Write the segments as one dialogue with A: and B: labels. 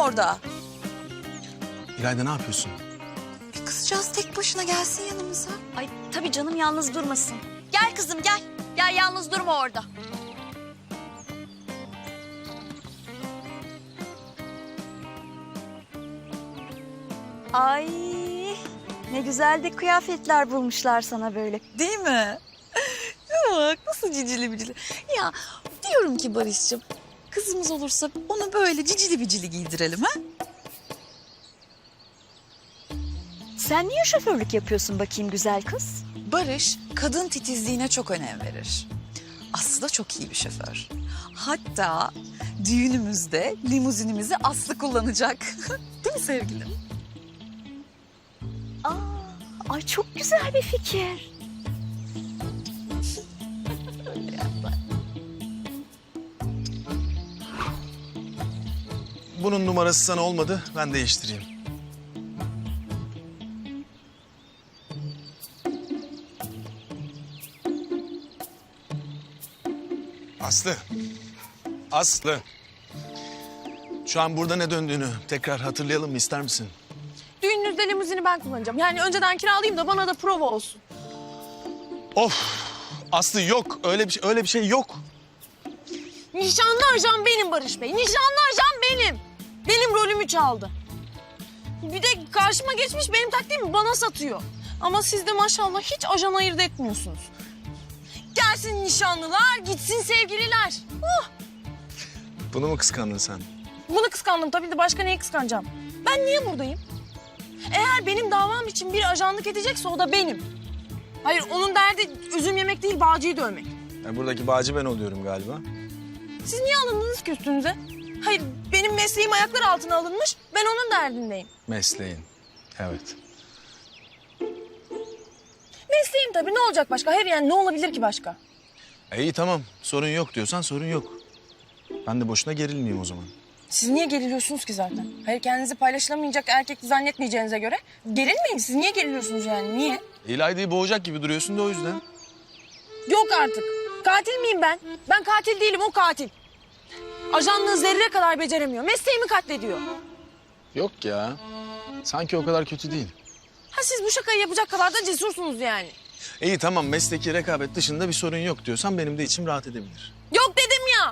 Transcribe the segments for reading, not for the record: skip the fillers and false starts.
A: orada?
B: İlayda ne yapıyorsun?
A: Kızcağız tek başına gelsin yanımıza.
C: Ay tabii canım yalnız durmasın. Gel kızım gel. Gel yalnız durma orada. Ay ne güzel de kıyafetler bulmuşlar sana böyle.
A: Değil mi? Bak nasıl cicili bicili. Ya diyorum ki Barış'cığım, kızımız olursa onu böyle cicili bicili giydirelim ha?
C: Sen niye şoförlük yapıyorsun bakayım güzel kız?
A: Barış kadın titizliğine çok önem verir. Aslı da çok iyi bir şoför. Hatta düğünümüzde limuzinimizi Aslı kullanacak. Değil mi sevgilim?
C: Aa, ay çok güzel bir fikir.
B: Bunun numarası sana olmadı, ben değiştireyim. Aslı. Aslı. Şu an burada ne döndüğünü tekrar hatırlayalım mı, ister misin?
D: Düğününüzde limuzini ben kullanacağım. Yani önceden kiralayayım da bana da prova olsun.
B: Of! Aslı yok, öyle bir şey yok.
D: Nişanlı ajan benim Barış Bey. Nişanlı ajan benim. Benim rolümü çaldı. Bir de karşıma geçmiş benim taktiğimi bana satıyor. Ama siz de maşallah hiç ajan ayırt etmiyorsunuz. Gelsin nişanlılar, gitsin sevgililer.
B: Bunu mu kıskandın sen?
D: Bunu kıskandım tabii de başka neyi kıskanacağım? Ben niye buradayım? Eğer benim davam için bir ajanlık edecekse o da benim. Hayır onun derdi üzüm yemek değil bağcıyı dövmek.
B: Buradaki bağcı ben oluyorum galiba.
D: Siz niye alındınız ki üstünüze? Hayır benim mesleğim ayaklar altına alınmış. Ben onun derdindeyim.
B: Mesleğin. Evet.
D: Mesleğim tabii ne olacak başka? Hayır yani ne olabilir ki başka?
B: İyi tamam, sorun yok diyorsan sorun yok. Ben de boşuna gerilmeyeyim o zaman.
D: Siz niye geriliyorsunuz ki zaten? Hayır kendinizi paylaşılamayacak erkek zannetmeyeceğinize göre. Gerilmeyin siz niye geriliyorsunuz yani niye?
B: İlayda'yı boğacak gibi duruyorsun da o yüzden.
D: Yok artık. Katil miyim ben? Ben katil değilim o katil. Ajanlığı zerre kadar beceremiyor. Mesleğimi katlediyor.
B: Yok ya. Sanki o kadar kötü değil.
D: Ha siz bu şakayı yapacak kadar da cesursunuz yani.
B: İyi tamam, mesleki rekabet dışında bir sorun yok diyorsan benim de içim rahat edebilir.
D: Yok dedim ya.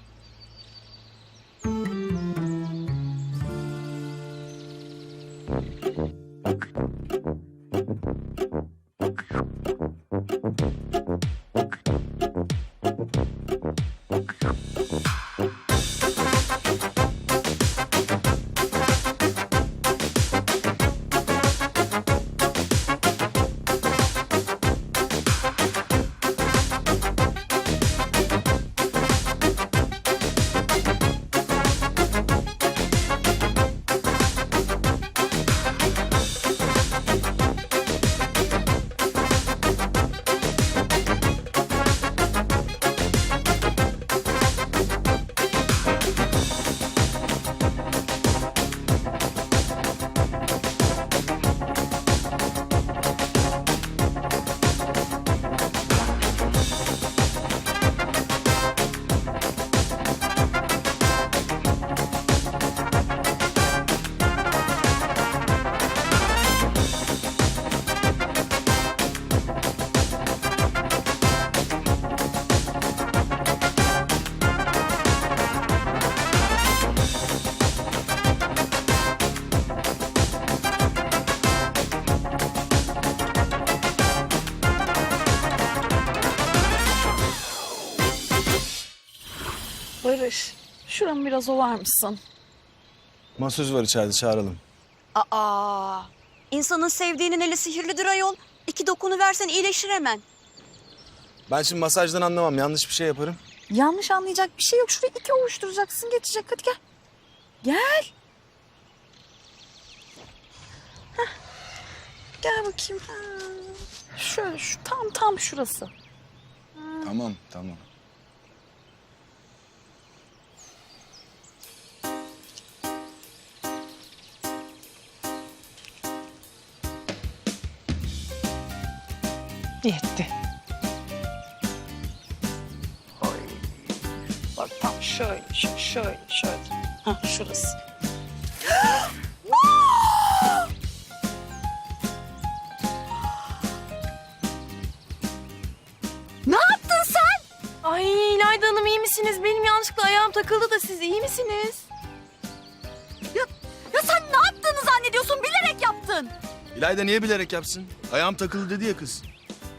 A: Barış, şuramı biraz ovar mısın?
B: Masöz var içeride, çağıralım.
C: Aa, insanın sevdiğinin eli sihirlidir ayol. 2 dokunuversen iyileşir hemen.
B: Ben şimdi masajdan anlamam, yanlış bir şey yaparım.
A: Yanlış anlayacak bir şey yok. Şurayı 2 ovuşturacaksın, geçecek. Hadi gel. Gel. Heh. Gel bakayım. Ha. Şöyle, tam şurası.
B: Tamam.
A: Yetti. Bak tam şöyle. Ha şurası.
D: İlayda Hanım iyi misiniz? Benim yanlışlıkla ayağım takıldı da siz iyi misiniz?
C: Ya sen ne yaptığını zannediyorsun? Bilerek yaptın.
B: İlayda niye bilerek yapsın? Ayağım takılı dedi ya kız.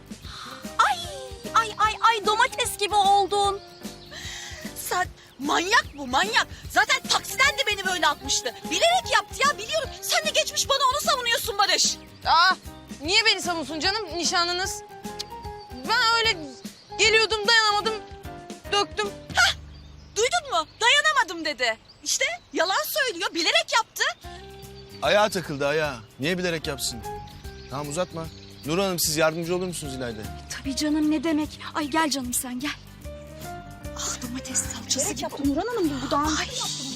C: Ay domates gibi oldun.
E: Sen manyak bu manyak. Zaten taksiden de beni böyle atmıştı. Bilerek yaptı ya biliyorum. Sen de geçmiş bana onu savunuyorsun Barış.
D: Niye beni savunsun canım nişanlınız? Ben öyle geliyordum dayanamadım döktüm.
E: Duydun mu? Dayanamadım dedi. İşte yalan söylüyor. Bilerek yaptı.
B: Ayağı takıldı ayağı. Niye bilerek yapsın? Tamam uzatma. Nur Hanım siz yardımcı olur musunuz İlayda'ya?
C: Tabii canım ne demek. Ay gel canım sen gel. Ah domates salçası gibi. Nurhan Hanım bu daha. Ay.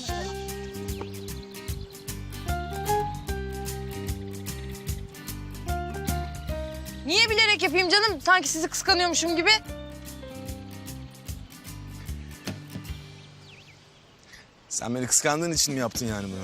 D: Niye bilerek yapayım canım? Sanki sizi kıskanıyormuşum gibi.
B: Sen beni kıskandığın için mi yaptın yani bunu?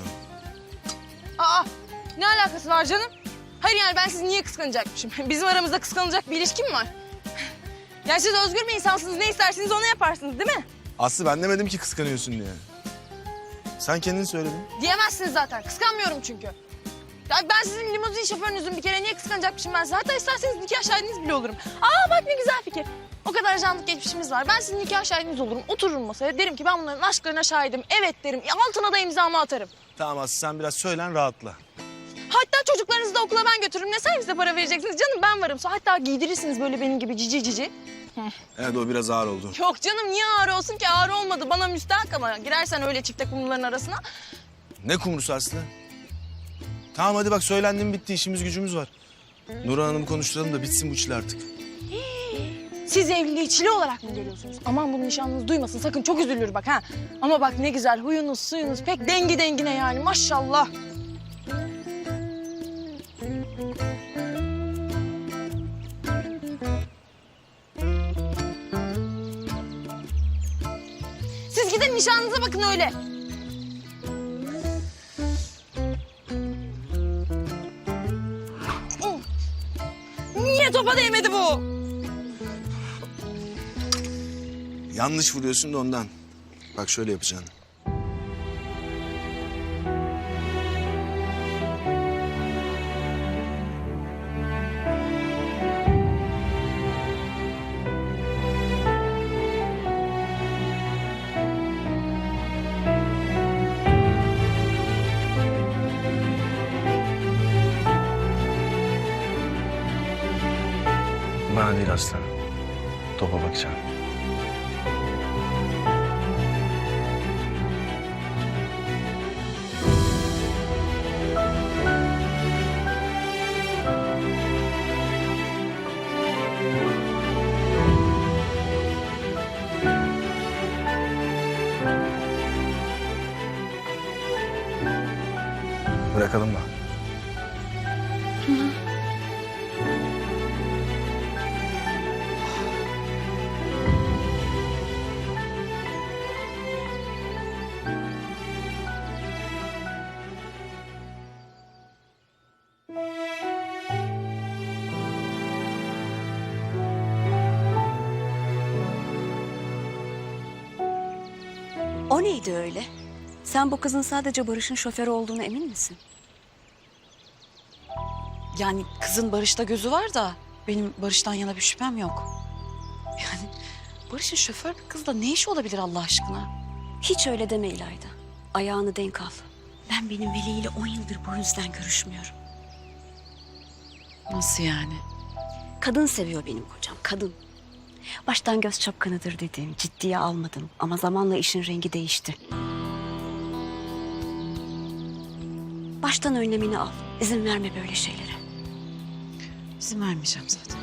D: Ne alakası var canım? Hayır yani ben sizi niye kıskanacakmışım? Bizim aramızda kıskanılacak bir ilişki mi var? Yani siz özgür bir insansınız. Ne isterseniz onu yaparsınız değil mi?
B: Aslı ben demedim ki kıskanıyorsun diye. Sen kendin söyledin.
D: Diyemezsiniz zaten. Kıskanmıyorum çünkü. Ya ben sizin limuzin şoförünüzün bir kere niye kıskanacakmışım ben size? Hatta isterseniz nikah şahidiniz bile olurum. Bak ne güzel fikir. O kadar canlık geçmişimiz var. Ben sizin nikah şahidiniz olurum. Otururum masaya. Derim ki ben bunların aşklarına şahidim. Evet derim. Altına da imzamı atarım.
B: Tamam Aslı sen biraz söylen rahatla.
D: Hatta çocuklarınızı da okula ben götürürüm. Ne servise para vereceksiniz canım ben varım. Hatta giydirirsiniz böyle benim gibi cici cici.
B: Evet o biraz ağır oldu.
D: Yok canım niye ağır olsun ki? Ağır olmadı. Bana müstahak ama girersen öyle çifte kumruların arasına.
B: Ne kumrusu Aslı? Tamam hadi bak söylendim bitti işimiz gücümüz var. Nur Hanım'ı konuşturalım da bitsin bu çile artık.
D: Siz evliliği çile olarak mı görüyorsunuz? Aman bunu nişanlınız duymasın sakın çok üzülür bak ha. Ama bak ne güzel huyunuz suyunuz pek dengi dengine yani maşallah. Siz gidin nişanlınıza bakın öyle. Niye topa değmedi bu?
B: Yanlış vuruyorsun da ondan. Bak şöyle yapacaksın. Bana değil aslanım. Topa bakacağım. Bırakalım mı?
C: O neydi öyle? Sen bu kızın sadece Barış'ın şoförü olduğunu emin misin?
A: Yani kızın Barış'ta gözü var da benim Barış'tan yana bir şüphem yok. Yani Barış'ın şoför bir kızla ne işi olabilir Allah aşkına?
C: Hiç öyle deme İlayda. Ayağını denk al. Ben benim Veli ile 10 yıldır bu yüzden görüşmüyorum.
A: Nasıl yani?
C: Kadın seviyor benim kocam, kadın. Baştan göz çapkınıdır dedim, ciddiye almadım. Ama zamanla işin rengi değişti. Baştan önlemini al. İzin verme böyle şeylere.
A: İzin vermeyeceğim zaten.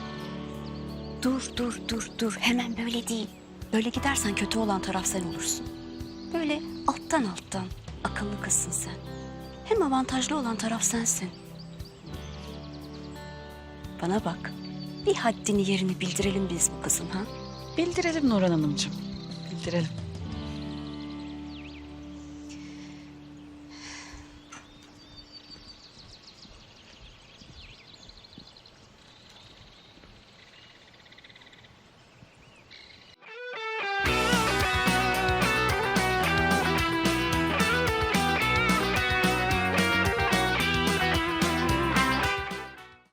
C: Dur. Hemen böyle değil. Böyle gidersen kötü olan taraf sen olursun. Böyle alttan akıllı kızsın sen. Hem avantajlı olan taraf sensin. Bana bak. Bir haddini yerini bildirelim biz bu kızın ha.
A: Bildirelim Nurhan Hanımcığım. Bildirelim.